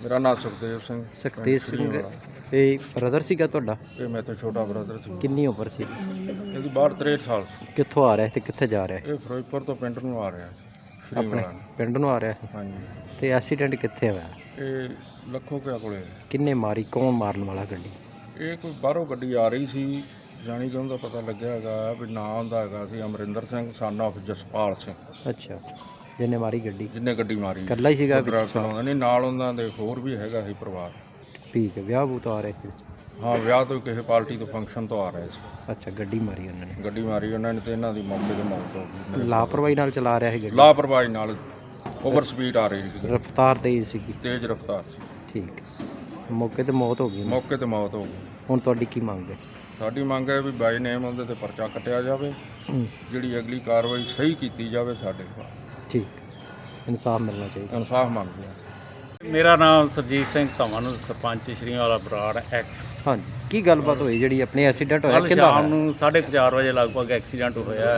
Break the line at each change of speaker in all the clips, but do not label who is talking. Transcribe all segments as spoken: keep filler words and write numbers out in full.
ਮੇਰਾ ਨਾਮ ਸੁਖਦੇਵ ਸਿੰਘ
ਸੁਖਦੇਵ ਸਿੰਘ ਇਹ ਬ੍ਰਦਰ ਸੀਗਾ ਤੁਹਾਡਾ?
ਇਹ ਮੇਰੇ ਤੋਂ ਛੋਟਾ ਬ੍ਰਦਰ ਸੀ।
ਕਿੰਨੀ ਉਮਰ ਸੀ?
ਇਹਦੀ ਬਾਹਰ ਤਰੇਹਠ ਸਾਲ ਸੀ।
ਕਿੱਥੋਂ ਆ ਰਿਹਾ ਤੇ ਕਿੱਥੇ ਜਾ ਰਿਹਾ?
ਇਹ ਫਿਰੋਜ਼ਪੁਰ ਤੋਂ ਪਿੰਡ ਨੂੰ ਆ ਰਿਹਾ ਸੀ, ਸ਼੍ਰੀ
ਆਪਣੇ ਪਿੰਡ ਨੂੰ ਆ ਰਿਹਾ ਸੀ।
ਹਾਂਜੀ।
ਤੇ ਐਕਸੀਡੈਂਟ ਕਿੱਥੇ ਹੋਇਆ?
ਇਹ ਲੱਖੋ ਕਿਆ ਕੋਲੇ।
ਕਿੰਨੇ ਮਾਰੀ? ਕੌਣ ਮਾਰਨ ਵਾਲਾ ਗੱਡੀ?
ਇਹ ਕੋਈ ਬਾਹਰੋਂ ਗੱਡੀ ਆ ਰਹੀ ਸੀ, ਜਾਣੀ ਕਿ ਉਹਦਾ ਪਤਾ ਲੱਗਿਆ ਹੈਗਾ ਵੀ ਨਾਂ ਉਹਦਾ ਹੈਗਾ ਸੀ ਅਮਰਿੰਦਰ ਸਿੰਘ ਸਨ ਆਫ ਜਸਪਾਲ ਸਿੰਘ।
ਅੱਛਾ, ਜਿਹਨੇ ਮਾਰੀ ਗੱਡੀ?
ਜਿਹਨੇ ਗੱਡੀ ਮਾਰੀ
ਇਕੱਲਾ ਹੀ ਸੀਗਾ?
ਚਲਾਉਂਦਾ ਨਹੀਂ, ਨਾਲ ਉਹਨਾਂ ਦੇ ਹੋਰ ਵੀ ਹੈਗਾ ਸੀ ਪਰਿਵਾਰ।
ਠੀਕ ਹੈ। ਵਿਆਹ ਬੂਤ ਆ ਰਿਹਾ ਸੀ?
ਹਾਂ, ਵਿਆਹ ਤੋਂ ਕਿਸੇ ਪਾਰਟੀ ਤੋਂ ਫੰਕਸ਼ਨ ਤੋਂ ਆ ਰਹੇ ਸੀ।
ਅੱਛਾ, ਗੱਡੀ ਮਾਰੀ ਉਹਨਾਂ ਨੇ?
ਗੱਡੀ ਮਾਰੀ ਉਹਨਾਂ ਨੇ ਤੇ ਇਹਨਾਂ ਦੀ ਮੌਕੇ 'ਤੇ ਮੌਤ ਹੋ ਗਈ।
ਲਾਪਰਵਾਹੀ ਨਾਲ ਚਲਾ ਰਿਹਾ ਸੀ ਗੱਡੀ?
ਲਾਪਰਵਾਹੀ ਨਾਲ, ਓਵਰ ਸਪੀਡ ਆ ਰਹੀ ਸੀ,
ਰਫ਼ਤਾਰ ਤੇਜ਼ ਸੀਗੀ?
ਤੇਜ਼ ਰਫ਼ਤਾਰ ਸੀ।
ਠੀਕ, ਮੌਕੇ ਤੇ ਮੌਤ ਹੋ ਗਈ?
ਮੌਕੇ ਤੇ ਮੌਤ ਹੋ ਗਈ।
ਹੁਣ ਤੁਹਾਡੀ ਕੀ ਮੰਗ ਹੈ?
ਸਾਡੀ ਮੰਗ ਹੈ ਵੀ ਬਾਈ ਨੇਮ ਉਹਦੇ ਤੇ ਪਰਚਾ ਕੱਟਿਆ ਜਾਵੇ, ਜਿਹੜੀ ਅਗਲੀ ਕਾਰਵਾਈ ਸਹੀ ਕੀਤੀ ਜਾਵੇ। ਸਾਡੇ
ਠੀਕ, ਇਨਸਾਫ ਮਿਲਣਾ ਚਾਹੀਦਾ।
ਇਨਸਾਫ ਮੰਗਦੇ ਹਾਂ।
ਮੇਰਾ ਨਾਮ ਸਰਜੀਤ ਸਿੰਘ ਧਵਨ, ਸਰਪੰਚ ਸ਼੍ਰੀਵਾਲਾ ਬਰਾੜ ਐਕਸ।
ਹਾਂਜੀ, ਕੀ ਗੱਲਬਾਤ ਹੋਈ ਜਿਹੜੀ ਆਪਣੇ ਐਕਸੀਡੈਂਟ ਹੋਇਆ?
ਕੱਲ੍ਹ
ਕਿੰਦਾ
ਸ਼ਾਮ ਨੂੰ ਸਾਢੇ ਕੁ ਚਾਰ ਵਜੇ ਲਗਭਗ ਐਕਸੀਡੈਂਟ ਹੋਇਆ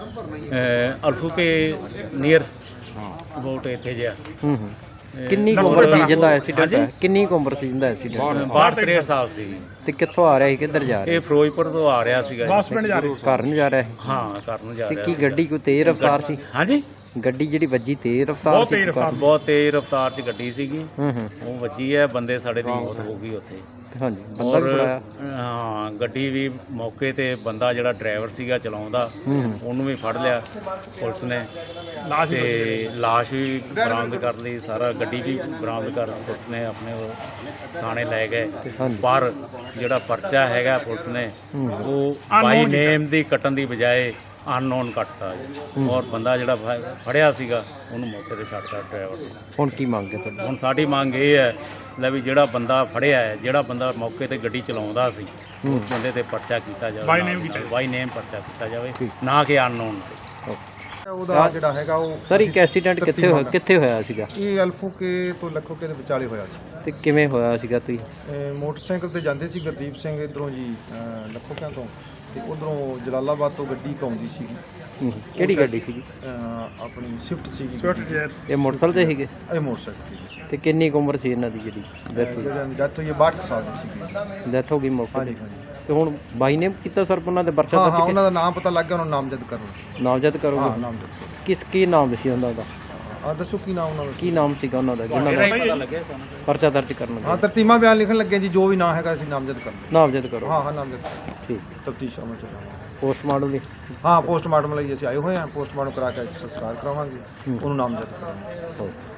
ਹੈ ਅਲਫੂਕੇ ਨੀਅਰ ਅਬਾਊਟ ਇੱਥੇ ਜਿਹਾ।
ਹੂੰ ਹੂੰ ਕਿੰਨੀ ਕੁ ਉਮਰ ਸੀ ਜਿਹਦਾ ਐਕਸੀਡੈਂਟ ਹੋਇਆ? ਕਿੰਨੀ ਕੁ ਉਮਰ ਸੀ ਜਿਹਦਾ ਐਕਸੀਡੈਂਟ?
ਬਾਹਠ ਤਰੇਹਠ ਸਾਲ ਸੀ।
ਤੇ ਕਿੱਥੋਂ ਆ ਰਿਹਾ ਸੀ, ਕਿੱਧਰ ਜਾ ਰਿਹਾ?
ਇਹ ਫਿਰੋਜ਼ਪੁਰ ਤੋਂ ਆ ਰਿਹਾ ਸੀਗਾ ਜੀ।
ਘਰ ਨੂੰ ਜਾ ਰਿਹਾ ਸੀ?
ਹਾਂ, ਘਰ ਨੂੰ ਜਾ
ਤੇ
ਰਿਹਾ
ਕੀ ਗੱਡੀ ਕੋਈ ਤੇਜ਼ ਰਫ਼ਤਾਰ ਸੀ?
ਹਾਂਜੀ,
ਗੱਡੀ ਜਿਹੜੀ ਵੱਜੀ ਤੇਜ਼ ਰਫ਼ਤਾਰ ਸੀ?
ਬਹੁਤ ਤੇਜ਼ ਰਫ਼ਤਾਰ 'ਚ ਗੱਡੀ ਸੀਗੀ,
ਹੂੰ ਹੂੰ
ਉਹ ਵੱਜੀ ਹੈ, ਬੰਦੇ ਸਾਡੇ ਦੀ ਮੌਤ ਹੋ ਗਈ ਉੱਥੇ।
ਹਾਂਜੀ, ਬੰਦਾ ਵੀ
ਔਰ
ਬੁਲਾਇਆ?
ਹਾਂ, ਗੱਡੀ ਵੀ ਮੌਕੇ ਤੇ ਬੰਦਾ ਜਿਹੜਾ ਡਰਾਈਵਰ ਸੀਗਾ ਚਲਾਉਂਦਾ, ਉਹਨੂੰ ਵੀ ਫੜ ਲਿਆ ਪੁਲਿਸ ਨੇ ਤੇ ਲਾਸ਼ ਵੀ ਬਰਾਮਦ ਕਰ ਲਈ, ਸਾਰਾ ਗੱਡੀ ਵੀ ਬਰਾਮਦ ਕਰ ਪੁਲਿਸ ਨੇ ਆਪਣੇ ਉਹ ਥਾਣੇ ਲੈ ਗਏ। ਪਰ ਜਿਹੜਾ ਪਰਚਾ ਹੈਗਾ ਪੁਲਿਸ ਨੇ ਉਹ ਬਾਈ ਨੇਮ ਦੀ ਕੱਟਣ ਦੀ ਬਜਾਏ ਅਨਨੋਨ ਕੱਟਤਾ ਜੀ। ਔਰ ਬੰਦਾ ਜਿਹੜਾ ਫ- ਫੜਿਆ ਸੀਗਾ ਉਹਨੂੰ ਮੌਕੇ ਤੇ ਛੱਡਤਾ ਡਰਾਈਵਰ ਨੂੰ।
ਹੁਣ ਕੀ ਮੰਗ ਹੈ ਤੁਹਾਡੀ?
ਹੁਣ ਸਾਡੀ ਮੰਗ ਇਹ ਹੈ ਲੈ ਵੀ ਜਿਹੜਾ ਬੰਦਾ ਫੜਿਆ ਹੈ, ਜਿਹੜਾ ਬੰਦਾ ਮੌਕੇ ਤੇ ਗੱਡੀ ਚਲਾਉਂਦਾ ਸੀ, ਉਸ ਬੰਦੇ ਤੇ ਪਰਚਾ ਕੀਤਾ ਜਾਵੇ, ਬਾਈ ਨੇਮ ਬਾਈ ਨੇਮ ਪਰਚਾ ਕੀਤਾ ਜਾਵੇ, ਨਾ ਕਿ ਅਨਨੋਨ ਤੇ।
ਉਹਦਾ ਜਿਹੜਾ ਹੈਗਾ ਉਹ
ਸਰ ਇੱਕ ਐਕਸੀਡੈਂਟ ਕਿੱਥੇ ਹੋਇਆ, ਕਿੱਥੇ ਹੋਇਆ ਸੀਗਾ?
ਇਹ ਅਲਫੂਕੇ ਤੋਂ ਲੱਖੋਕੇ ਦੇ ਵਿਚਾਲੇ ਹੋਇਆ ਸੀ।
ਤੇ ਕਿਵੇਂ ਹੋਇਆ ਸੀਗਾ? ਤੁਸੀਂ
ਇਹ ਮੋਟਰਸਾਈਕਲ ਤੇ ਜਾਂਦੇ ਸੀ ਗੁਰਦੀਪ ਸਿੰਘ ਇਧਰੋਂ ਜੀ ਅਹ ਲੱਖੋਕਿਆਂ ਤੋਂ, ਤੇ ਉਧਰੋਂ ਜਲਾਲਾਬਾਦ ਤੋਂ ਗੱਡੀ ਆਉਂਦੀ ਸੀਗੀ।
ਹੂੰ, ਕਿਹੜੀ ਗੱਡੀ ਸੀਗੀ?
ਅਹ ਆਪਣੀ ਸਵਿਫਟ ਸੀਗੀ।
ਇਹ ਮੋਟਰਸਾਈਕਲ ਤੇ ਸੀਗੇ?
ਇਹ ਮੋਟਰਸਾਈਕਲ ਸੀ।
ਤੇ ਕਿੰਨੀ ਕੁ ਉਮਰ ਸੀ ਇਹਨਾਂ ਦੀ ਜਿਹੜੀ ਡੈਥ ਹੋਈ?
ਜਿਹੜੀ ਡੈਥ ਹੋਈ ਹੈ ਬਾਹਠ ਕੁ ਸਾਲ ਦੀ ਸੀਗੀ।
ਡੈਥ ਹੋ ਗਈ ਮੌਕੇ
ਹਾਂਜੀ
ਤੇ?
ਹਾਂਜੀ।
ਤੇ ਹੁਣ ਬਾਈ ਨੇ ਕੀਤਾ ਸਰ ਉਹਨਾਂ ਦੇ ਪਰਚਾ
ਹਾਂ ਹਾਂ,
ਦਰਜ?
ਉਹਨਾਂ ਦਾ ਨਾਮ ਪਤਾ ਲੱਗ ਗਿਆ, ਉਹਨਾਂ ਨੂੰ ਨਾਮਜ਼ਦ ਕਰਨਾ।
ਨਾਮਜ਼ਦ
ਹਾਂ,
ਕਰੋਗੇ?
ਨਾਮਜ਼ਦ ਕਰੋ।
ਕਿਸ ਕੀ ਨਾਮ ਸੀ ਉਹਨਾਂ ਦਾ?
ਆ ਦੱਸੋ ਕੀ ਨਾਮ ਉਹਨਾਂ ਦਾ?
ਕੀ ਨਾਮ ਸੀਗਾ ਉਹਨਾਂ ਦਾ ਜਿਹਨਾਂ ਦਾ
ਪਤਾ ਲੱਗਿਆ ਸਾਨੂੰ।
ਪਰਚਾ ਦਰਜ ਕਰਨ
ਹਾਂ,
ਲੱਗੇ?
ਤਰਤੀਮਾ ਬਿਆਨ ਲਿਖਣ ਲੱਗੇ ਜੀ, ਜੋ ਵੀ ਨਾਂ ਹੈਗਾ ਅਸੀਂ ਨਾਮਜ਼ਦ ਕਰਦੇ।
ਨਾਮਜ਼ਦ ਕਰੋ।
ਹਾਂ ਹਾਂ, ਨਾਮਜ਼ਦ ਕਰੋ।
ਠੀਕ।
ਤਫਤੀਸ਼ ਅਮਲ ਚ ਲਿਆਵਾਂਗੇ।
ਪੋਸਟਮਾਰਟਮ ਦੀ?
ਹਾਂ, ਪੋਸਟਮਾਰਟਮ ਲਈ ਅਸੀਂ ਆਏ ਹੋਏ ਹਾਂ। ਪੋਸਟਮਾਰਟਮ ਕਰਾ ਕੇ ਸੰਸਕਾਰ ਕਰਾਵਾਂਗੇ, ਉਹਨੂੰ ਨਾਮਜ਼ਦ ਕਰਾਂਗੇ।
ਓਕੇ।